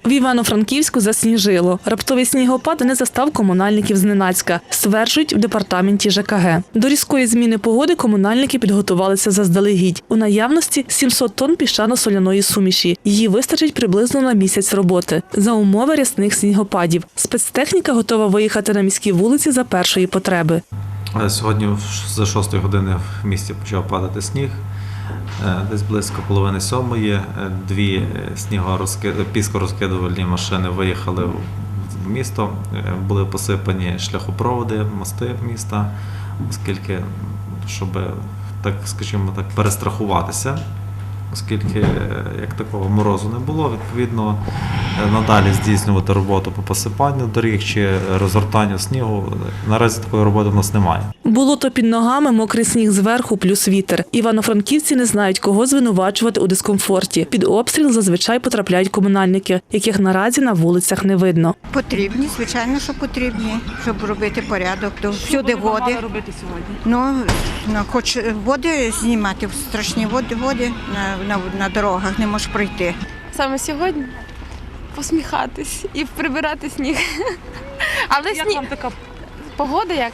В Івано-Франківську засніжило. Раптовий снігопад не застав комунальників зненацька, стверджують в департаменті ЖКГ. До різкої зміни погоди комунальники підготувалися заздалегідь. У наявності 700 тонн піщано-соляної суміші. Її вистачить приблизно на місяць роботи. За умови рясних снігопадів. Спецтехніка готова виїхати на міські вулиці за першої потреби. Сьогодні за 6 години в місті почав падати сніг. Десь близько половини сьомої дві піскорозкидувальні машини виїхали в місто, були посипані шляхопроводи, мости міста, оскільки, щоб, так скажімо так, перестрахуватися, оскільки як такого морозу не було, відповідно, надалі здійснювати роботу по посипанню доріг чи розгортанню снігу. Наразі такої роботи в нас немає. Болото під ногами, мокрий сніг зверху, плюс вітер. Івано-франківці не знають, кого звинувачувати у дискомфорті. Під обстріл зазвичай потрапляють комунальники, яких наразі на вулицях не видно. Потрібні, звичайно, що потрібні, щоб робити порядок. Всюди води. Що ви робити сьогодні? Хоч води знімати, страшні води на дорогах не можеш пройти. Саме сьогодні посміхатись і прибирати сніг. Але як вам така погода як?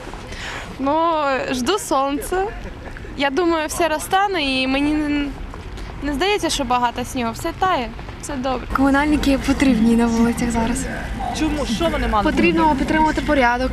Жду сонця. Я думаю, все розтане і мені не здається, що багато снігу. Все тає, все добре. Комунальники потрібні на вулицях зараз. Чому? Що вони мали? Потрібно підтримувати порядок.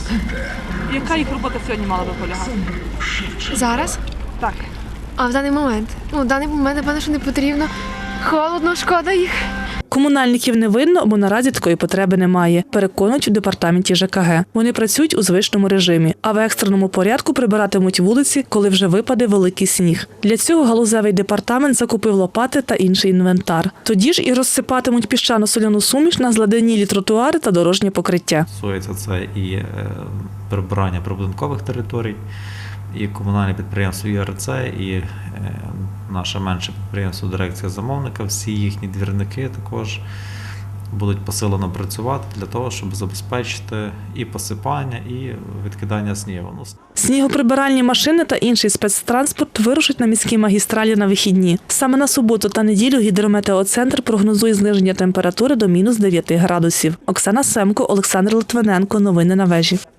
Яка їх робота сьогодні мала би полягати? Зараз? Так. А в даний момент? В даний момент, напевно, що не потрібно. Холодно, шкода їх. Комунальників не видно, бо наразі такої потреби немає, переконують у департаменті ЖКГ. Вони працюють у звичному режимі, а в екстреному порядку прибиратимуть вулиці, коли вже випаде великий сніг. Для цього галузевий департамент закупив лопати та інший інвентар. Тоді ж і розсипатимуть піщано-соляну суміш на зладенілі тротуари та дорожнє покриття. Стосується це і прибирання прибудинкових територій, і комунальне підприємство ЮРЦ, і наше менше підприємство «Дирекція замовника», всі їхні двірники також будуть посилено працювати для того, щоб забезпечити і посипання, і відкидання снігу. Снігоприбиральні машини та інший спецтранспорт вирушать на міські магістралі на вихідні. Саме на суботу та неділю гідрометеоцентр прогнозує зниження температури до -9 градусів. Оксана Семко, Олександр Литвиненко. Новини на вежі.